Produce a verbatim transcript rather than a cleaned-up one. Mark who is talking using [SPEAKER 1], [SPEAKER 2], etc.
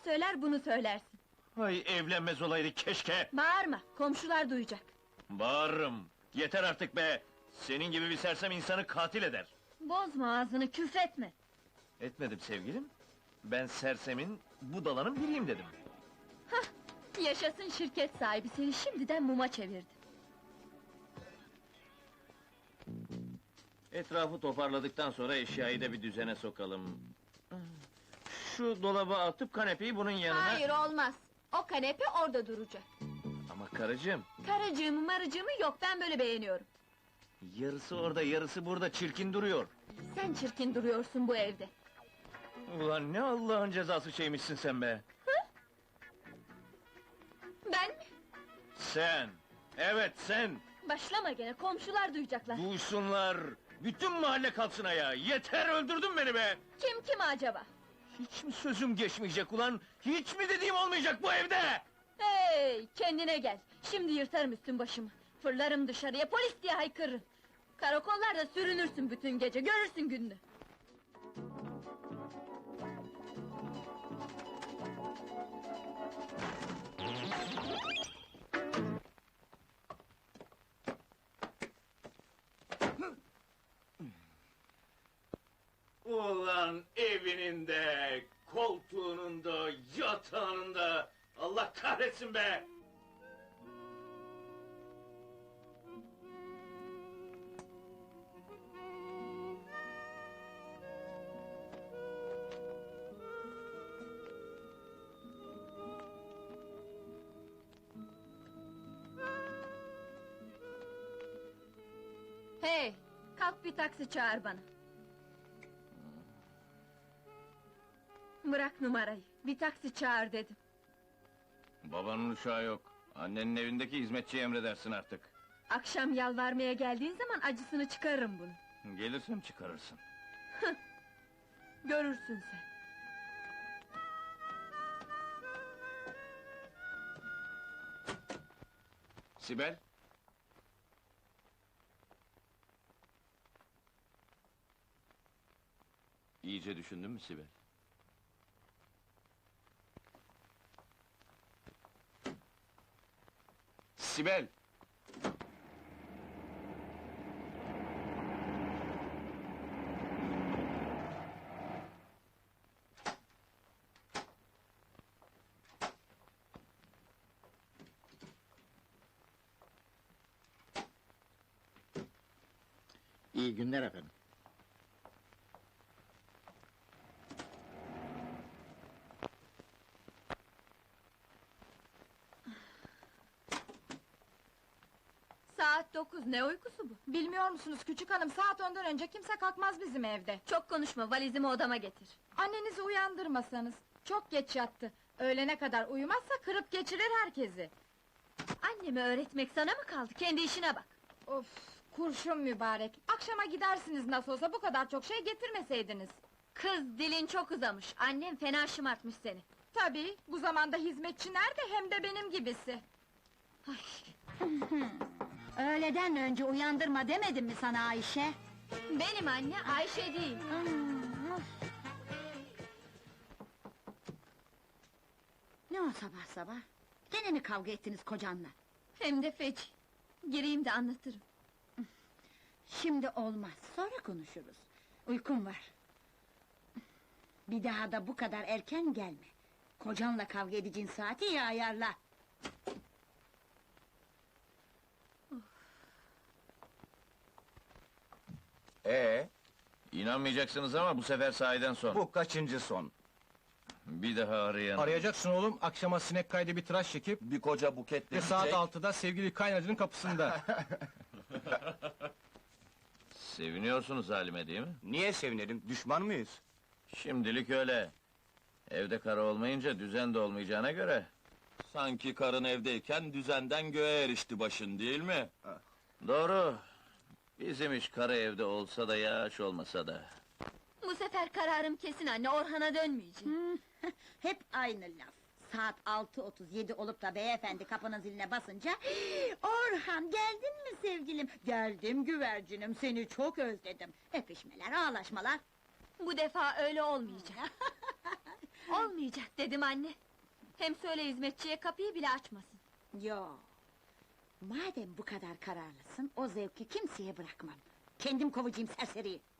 [SPEAKER 1] söyler, bunu söylersin.
[SPEAKER 2] Ay evlenmez olaydı keşke!
[SPEAKER 1] Bağırma, komşular duyacak.
[SPEAKER 2] Bağırırım! Yeter artık be! Senin gibi bir sersem insanı katil eder!
[SPEAKER 1] Bozma ağzını, küfretme!
[SPEAKER 2] Etmedim sevgilim. Ben sersemin, budalanın biriyim dedim.
[SPEAKER 1] Hah! Yaşasın şirket sahibi, seni şimdiden muma çevirdi.
[SPEAKER 2] Etrafı toparladıktan sonra eşyayı da bir düzene sokalım. Şu dolaba atıp kanepeyi bunun yanına...
[SPEAKER 1] Hayır, olmaz! O kanepe orada duracak.
[SPEAKER 2] Ama karıcığım,
[SPEAKER 1] Karıcığımı marıcığımı yok, ben böyle beğeniyorum.
[SPEAKER 2] yarısı orada, yarısı burada, çirkin duruyor.
[SPEAKER 1] Sen çirkin duruyorsun bu evde.
[SPEAKER 2] Ulan ne Allah'ın cezası şeymişsin sen be!
[SPEAKER 1] Ben mi?
[SPEAKER 2] Sen! Evet sen!
[SPEAKER 1] Başlama gene, komşular duyacaklar.
[SPEAKER 2] Duysunlar! Bütün mahalle kalksın ayağa! Yeter, öldürdün beni be!
[SPEAKER 1] Kim kim acaba?
[SPEAKER 2] Hiç mi sözüm geçmeyecek ulan? Hiç mi dediğim olmayacak bu evde?
[SPEAKER 1] Hey, kendine gel! Şimdi yırtarım üstün başımı. Fırlarım dışarıya, polis diye haykırırım. Karakollarda sürünürsün bütün gece, görürsün gününü.
[SPEAKER 2] Ulan evinin de, koltuğunun da, yatağının da... Allah kahretsin be!
[SPEAKER 1] Hey, kalk bir taksi çağır bana. Bırak numarayı, bir taksi çağır dedim.
[SPEAKER 2] Babanın uşağı yok. Annenin evindeki hizmetçiye emredersin artık.
[SPEAKER 1] Akşam yalvarmaya geldiğin zaman acısını çıkarırım bunu.
[SPEAKER 2] Gelirsem çıkarırsın.
[SPEAKER 1] Görürsün sen.
[SPEAKER 2] Sibel? İyice düşündün mü Sibel? Sibel!
[SPEAKER 3] İyi günler efendim.
[SPEAKER 1] Saat dokuz, ne uykusu bu?
[SPEAKER 4] Bilmiyor musunuz küçük hanım, saat ondan önce kimse kalkmaz bizim evde.
[SPEAKER 1] Çok konuşma, valizimi odama getir.
[SPEAKER 4] Annenizi uyandırmasanız, çok geç yattı. Öğlene kadar uyumazsa kırıp geçirir herkesi.
[SPEAKER 1] Annemi öğretmek sana mı kaldı? Kendi işine bak.
[SPEAKER 4] Of, kurşun mübarek. Akşama gidersiniz nasıl olsa, bu kadar çok şey getirmeseydiniz.
[SPEAKER 1] Kız, dilin çok uzamış, annem fena şımartmış seni.
[SPEAKER 4] Tabii, bu zamanda hizmetçi nerede, hem de benim gibisi.
[SPEAKER 5] Öğleden önce uyandırma demedim mi sana Ayşe?
[SPEAKER 1] Benim anne, Ayşe değil.
[SPEAKER 5] Ne o sabah sabah? Gene mi kavga ettiniz kocanla?
[SPEAKER 1] Hem de feci. Gireyim de anlatırım.
[SPEAKER 5] Şimdi olmaz, sonra konuşuruz. Uykum var. Bir daha da bu kadar erken gelme. Kocanla kavga edeceğin saati iyi ayarla.
[SPEAKER 6] Ee,
[SPEAKER 2] İnanmayacaksınız ama bu sefer sahiden son.
[SPEAKER 6] bu kaçıncı son?
[SPEAKER 2] Bir daha arayan...
[SPEAKER 7] Arayacaksın oğlum, akşama sinek kaydı bir tıraş çekip...
[SPEAKER 6] Bir koca buketle
[SPEAKER 7] ...ve saat
[SPEAKER 6] çiçek-
[SPEAKER 7] altıda sevgili kaynacının kapısında.
[SPEAKER 2] Seviniyorsunuz halime değil mi?
[SPEAKER 6] Niye sevinelim, düşman mıyız?
[SPEAKER 2] Şimdilik öyle. Evde karı olmayınca düzen de olmayacağına göre...
[SPEAKER 8] Sanki karın evdeyken düzenden göğe erişti başın, değil mi?
[SPEAKER 2] Doğru. Bizim iş karı evde olsa da yağış olmasa da.
[SPEAKER 1] Bu sefer kararım kesin anne, Orhan'a dönmeyeceğim.
[SPEAKER 5] Hep aynı laf. Saat altı otuz yedi olup da beyefendi kapının ziline basınca... Orhan, geldin mi sevgilim? Geldim güvercinim, seni çok özledim. Öpüşmeler, ağlaşmalar.
[SPEAKER 1] Bu defa öyle olmayacak. Olmayacak dedim anne. Hem söyle hizmetçiye kapıyı bile açmasın.
[SPEAKER 5] Yo. Madem bu kadar kararlısın, o zevki kimseye bırakmam. Kendim kovacağım serseriyi.